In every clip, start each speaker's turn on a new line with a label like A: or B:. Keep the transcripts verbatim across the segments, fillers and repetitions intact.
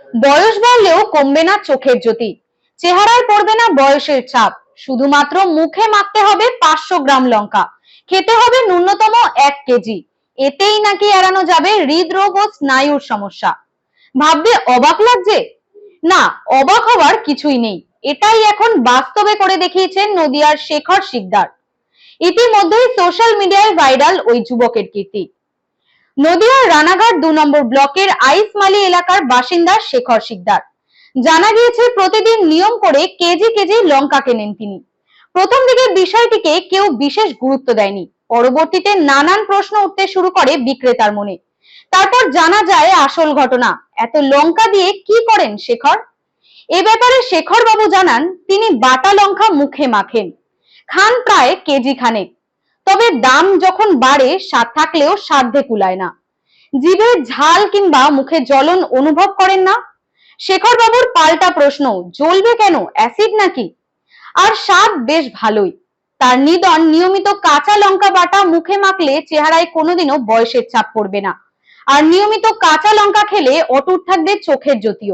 A: বয়স বাড়লেও কমবে না চোখের জ্যোতি, চেহারায় পড়বে না বয়সের ছাপ। শুধুমাত্র মুখে মাখতে হবে পাঁচশো গ্রাম লঙ্কা, খেতে হবে ন্যূনতম এক কেজি। এতেই নাকি এড়ানো যাবে হৃদরোগ ও স্নায়ুর সমস্যা। ভাববে অবাক লাগছে? না, অবাক হওয়ার কিছুই নেই। এটাই এখন বাস্তবে করে দেখিয়েছেন নদিয়ার শেখর শিকদার। ইতিমধ্যেই সোশ্যাল মিডিয়ায় ভাইরাল ওই যুবকের কীর্তি। নদিয়ার রানাঘাট দু নম্বর ব্লকের আইসমালি এলাকার বাসিন্দা শেখর শিকদার। জানা গিয়েছে প্রতিদিন নিয়ম করে কেজি কেজি লঙ্কা কেনেন তিনি। প্রথম দিকে বিষয়টিকে কেউ বিশেষ গুরুত্ব দেয়নি, পরবর্তীতে নানান প্রশ্ন উঠতে শুরু করে বিক্রেতার মনে। তারপর জানা যায় আসল ঘটনা। এত লঙ্কা দিয়ে কি করেন শেখর? এ ব্যাপারে শেখর বাবু জানান, তিনি বাটা লঙ্কা মুখে মাখেন, খান প্রায় কেজি খানেক। তবে দাম যখন বাড়ে স্বাদ থাকলেও সাধ্যে কুলায় না। জিভে ঝাল কিংবা মুখে জ্বলন অনুভব করেন না? শেখর বাবুর পাল্টা প্রশ্ন, জ্বলবে কেন, অ্যাসিড নাকি? আর স্বাদ বেশ ভালোই। তার নিদন, নিয়মিত কাঁচা লঙ্কা বাটা মুখে মাখলে চেহারায় কোনোদিনও বয়সের ছাপ পড়বে না। আর নিয়মিত কাঁচা লঙ্কা খেলে অটুট থাকবে চোখের জ্যোতিও।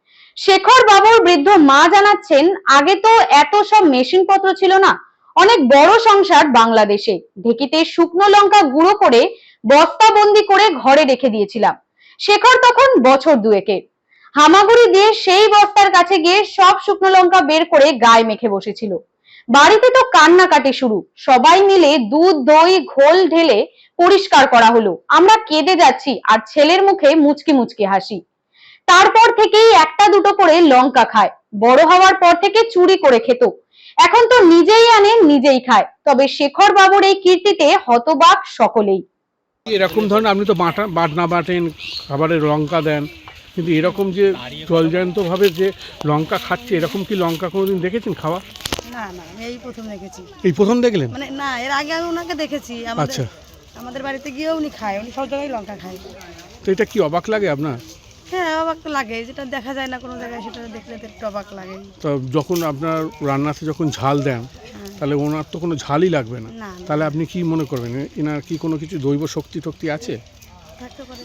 A: শেখর বাবুর বৃদ্ধ মা জানাচ্ছেন, আগে তো এত সব মেশিন পত্র ছিল না। অনেক বড় সংসার বাংলাদেশে। ঢেকিতে শুকনো লঙ্কা গুঁড়ো করে বস্তা বন্দি করে ঘরে রেখে দিয়েছিলাম। শেখর তখন বছর দুয়েকের। হামাগুড়ি দিয়ে সেই বস্তার কাছে গিয়ে সব শুকনো লঙ্কা বের করে গায়ে মেখে বসেছিল। বাড়িতে তো কান্নাকাটি শুরু। সবাই মিলে দুধ দই ঘোল ঢেলে পরিষ্কার করা হলো। আমরা কেঁদে যাচ্ছি আর ছেলের মুখে মুচকি মুচকি হাসি। তারপর থেকেই একটা দুটো করে লঙ্কা খায়। বড় হওয়ার পর থেকে চুরি করে খেত। এখন তো নিজেই আনে নিজেই খায়। তবে শেখর বাবুর এই কীর্তিতে হতবাক সকলেই।
B: এরকম ধরনের আপনি তো বাটা বাটনা বাটেন, খাবারে লঙ্কা দেন, কিন্তু এরকম যে জলজান্ত ভাবে যে লঙ্কা খাচ্ছে, এরকম কি লঙ্কা কোনোদিন দেখেছেন খাওয়া?
C: না না, আমি এই প্রথম দেখেছি।
B: এই প্রথম দেখলেন?
C: মানে না, এর আগে আমি ওনাকে দেখেছি।
B: আচ্ছা,
C: আমাদের বাড়িতে গিয়েও উনি খায়, উনি সব জায়গায় লঙ্কা খায়।
B: তো এটা কি অবাক লাগে আপনার?
C: হ্যাঁ, অবাক তো লাগে, যেটা দেখা যায় না কোনো জায়গায় সেটা দেখলে তো একটু অবাক লাগে।
B: তো যখন আপনার রান্নাতে যখন ঝাল দেন, তাহলে ওনার তো কোনো ঝালই লাগবে না।
C: না,
B: তাহলে আপনি কি মনে করবেন, এনার কি কোনো কিছু দৈব শক্তি টক্তি আছে?
C: থাকতে পারে,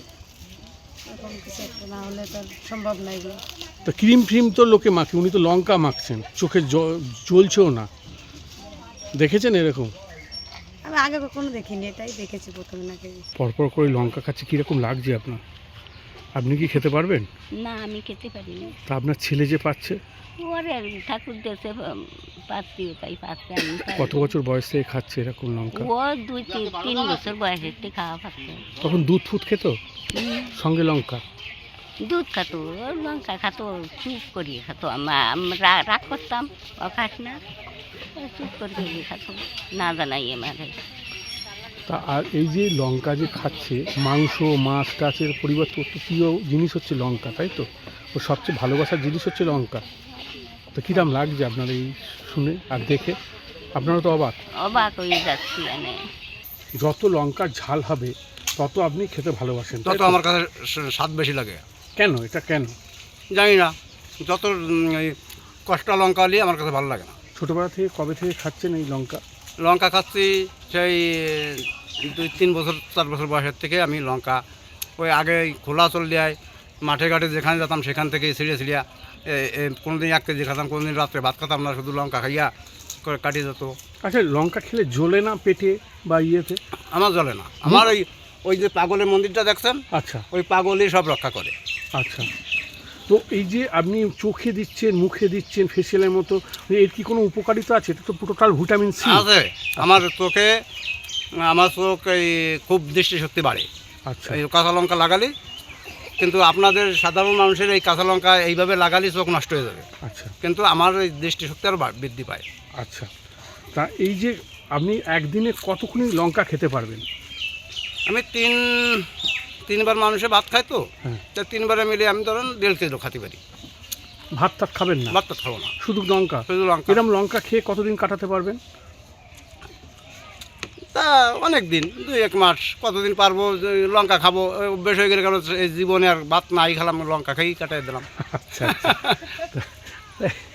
C: এরকম কিছু একটা না হলে তো আর সম্ভব না এগুলো।
B: তো ক্রিম ফ্রিম তো লোকে মাখে, উনি তো লঙ্কা মাখছেন, চোখে জ্বলছেও না। দেখেছেন এরকম?
C: আমি আগে কখনো দেখিনি, এটাই দেখেছি প্রথম নাকি।
B: পরপর করে লঙ্কা খাচ্ছে, কীরকম লাগছে আপনার? আপনি কি খেতে পারবেন?
D: না, আমি খেতে পারি না।
B: তা আপনার ছেলে যে পাচ্ছে?
D: ওরে ঠাকুর দেশে পাচ্ছি, তাই পাচ্ছে। আমি
B: কত বছর বয়স থেকে খাচ্ছে এরকম লঙ্কা?
D: ও দুই তিন তিন বছর বয়সের থেকে খাওয়া পাচ্ছে।
B: তখন দুধ ফুট খেত সঙ্গে লঙ্কা?
D: দুধ খাতো, ওর লঙ্কা খাতো, চুপ করিয়ে খাতো। আমরা রাগ করতাম, ও খাস না, চুপ করিয়ে খাতো, না জানাই আমাকে।
B: তা আর এই যে লঙ্কা যে খাচ্ছে, মাংস মাছ টাচের পরিবর্তে অত প্রিয় জিনিস হচ্ছে লঙ্কা, তাই তো? ও সবচেয়ে ভালোবাসার জিনিস হচ্ছে লঙ্কা। তো কিরম লাগছে আপনার এই শুনে আর দেখে? আপনারা তো অবাক
D: অবাক হয়ে যাচ্ছি। মানে
B: যত লঙ্কার ঝাল হবে তত আপনি খেতে ভালোবাসেন,
E: তত আমার কাছে স্বাদ বেশি লাগে।
B: কেন এটা কেন
E: জানি না, যত কষ্টা লঙ্কা হলে আমার কাছে ভালো লাগে না।
B: ছোটোবেলা থেকে কবে থেকে খাচ্ছেন এই লঙ্কা?
E: লঙ্কা খাচ্ছি সেই দুই তিন বছর চার বছর বয়সের থেকে আমি লঙ্কা, ওই আগে খোলা চল দেয় মাঠে ঘাটে যেখানে যেতাম সেখান থেকে ছিঁড়ে ছিঁড়িয়া কোনো দিন এক কেজি খেতাম, কোনো দিন রাত্রে ভাত খেতাম না, শুধু লঙ্কা খাইয়া করে কাটিয়ে যেত।
B: আচ্ছা, লঙ্কা খেলে জ্বলে না পেটে বা ইয়েতে?
E: আমার জ্বলে না। আমার ওই ওই যে পাগলের মন্দিরটা দেখছেন,
B: আচ্ছা,
E: ওই পাগলই সব রক্ষা করে।
B: আচ্ছা। তো এই যে আপনি চোখে দিচ্ছেন, মুখে দিচ্ছেন ফেসিয়ালের মতো, এর কি কোনো উপকারিতা আছে? এটা তো টোটাল ভিটামিন সি
E: আছে। আমার চোখে, আমার চোখ এই খুব দৃষ্টিশক্তি বাড়ে।
B: আচ্ছা,
E: এই কাঁচা লঙ্কা লাগালে, কিন্তু আপনাদের সাধারণ মানুষের এই কাঁচা লঙ্কা এইভাবে লাগালে চোখ নষ্ট হয়ে যাবে।
B: আচ্ছা,
E: কিন্তু আমার এই দৃষ্টিশক্তি আরও বৃদ্ধি পায়।
B: আচ্ছা। তা এই যে আপনি একদিনে কতক্ষণ লঙ্কা খেতে পারবেন?
E: আমি তিন তিনবার মানুষে ভাত খাই তো,
B: হ্যাঁ,
E: তা তিনবারে মিলে আমি ধরেন দেড় কেজি খাতে পারি।
B: ভাত টাত খাবেন না?
E: ভাত তো খাবো না,
B: শুধু লঙ্কা?
E: শুধু লঙ্কা।
B: এরকম লঙ্কা খেয়ে কতদিন কাটাতে পারবেন?
E: তা অনেক দিন, দুই এক মাস, কতদিন পারবো। লঙ্কা খাবো, অভ্যেস হয়ে গেলে, কেন এই জীবনে আর ভাত নাই খেলাম, লঙ্কা খেয়েই কাটাই দিলাম।
B: আচ্ছা, আচ্ছা।